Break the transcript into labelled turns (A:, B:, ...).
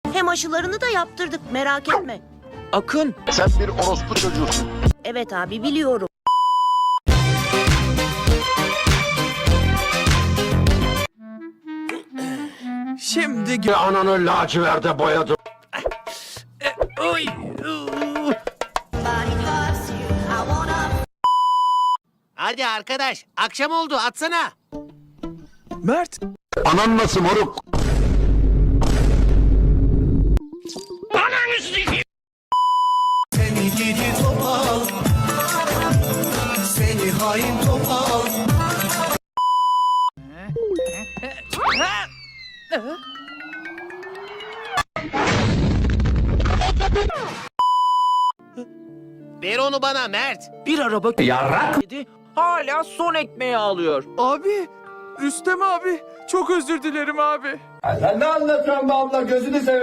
A: Hem aşılarını da yaptırdık, merak etme.
B: Akın,
C: Sen bir orospu çocuğusun.
A: Evet abi, biliyorum.
B: şimdi
C: Ananı laciverde boyadım.
B: Oy,
D: Hadi arkadaş, akşam oldu, atsana.
B: Mert,
C: Anan nasıl moruk?
E: Seni gidi topal, seni hain topal.
D: Ver onu bana Mert.
B: bir araba yedi, hala son ekmeği alıyor. Abi, Rüstem abi, çok özür dilerim abi.
F: Sen ne anlatıyorsun be abla, gözünü seveyim.